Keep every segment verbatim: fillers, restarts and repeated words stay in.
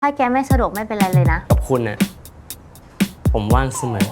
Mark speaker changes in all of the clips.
Speaker 1: ถ้าแกไม่สะดวกไม่เป็นไรเลยนะ
Speaker 2: กับคุณน่ะผมว่างเสมอ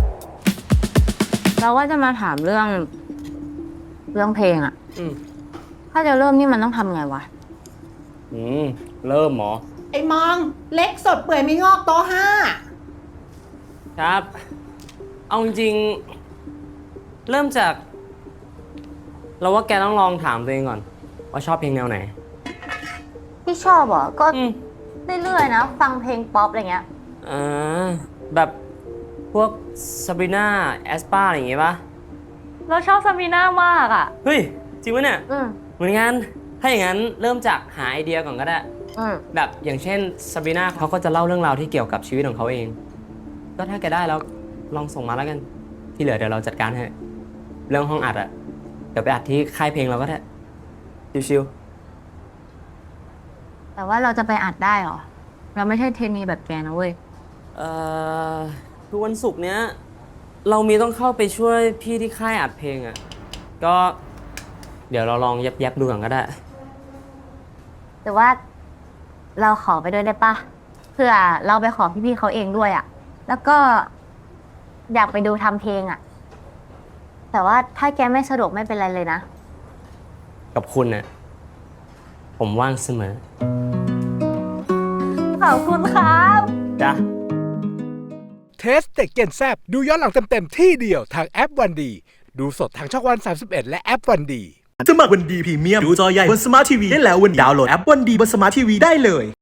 Speaker 1: เราว่าจะมาถามเรื่องเรื่องเพลงอะ
Speaker 2: อืม
Speaker 1: ถ้าจะเริ่มนี่มันต้องทำไงวะ
Speaker 2: อืมเริ่มหมอ
Speaker 3: ไอ้มองเล็กสดเปื่อยไม่งอกโต๊ะห้า
Speaker 2: ครับเอาจริงๆเริ่มจากเราว่าแกต้องลองถามตัวเองก่อนว่าชอบเพลงแนวไหน
Speaker 1: ที่ชอบเหรอก็เรื่อยๆนะฟังเพลงป๊อปอะไรเงี้ย
Speaker 2: อ่าแบบพวกซาบรีนาแอสปาอะไรอย่างเงี้ยปะ
Speaker 1: เราชอบซาบีน่ามากอ่ะ
Speaker 2: เฮ้ยจริงปะเนี่ย
Speaker 1: อืม
Speaker 2: เหมือนกันถ้าอย่างนั้นเริ่มจากหาไอเดียก่อนก็ได้
Speaker 1: อืม
Speaker 2: แบบอย่างเช่นซาบรีนาเขาก็จะเล่าเรื่องราวที่เกี่ยวกับชีวิตของเขาเองก็ถ้าแกได้แล้วลองส่งมาแล้วกันที่เหลือเดี๋ยวเราจัดการให้เรื่องห้องอัดอะเดี๋ยวไปอัดที่ค่ายเพลงเราก็ได้ชิว
Speaker 1: ๆแต่ว่าเราจะไปอัดได้เหรอเราไม่ใช่เทรนนีแบบแกนะเว้ย
Speaker 2: เอ่อคือวันศุกร์เนี้ยเรามีต้องเข้าไปช่วยพี่ที่ค่ายอัดเพลงอะก็เดี๋ยวเราลองยับยับดูก่อนก็ได้
Speaker 1: แต่ว่าเราขอไปด้วยได้ปะเพื่อเราไปขอพี่ๆเขาเองด้วยอะแล้วก็อยากไปดูทำเพลงอะแต่ว่าถ้าแกไม่สะดวกไม่เป็นไรเลยนะ
Speaker 2: กับคุณน่ะผมว่างเสมอ
Speaker 1: ขอบคุณครับ
Speaker 2: จ้ะ
Speaker 4: เทสเต็กเกนแซบดูย้อนหลังเต็มๆที่เดียวทางแอปวันดีดูสดทางช่องวันสามสิบเอ็ดและแอปวันดี
Speaker 5: สมัครวันดีพรีเมียมดูจอใหญ่บนสมาร์ททีวีได้แล้ววันดาวน์โหลดแอปวันดีบนสมาร์ททีวีได้เลย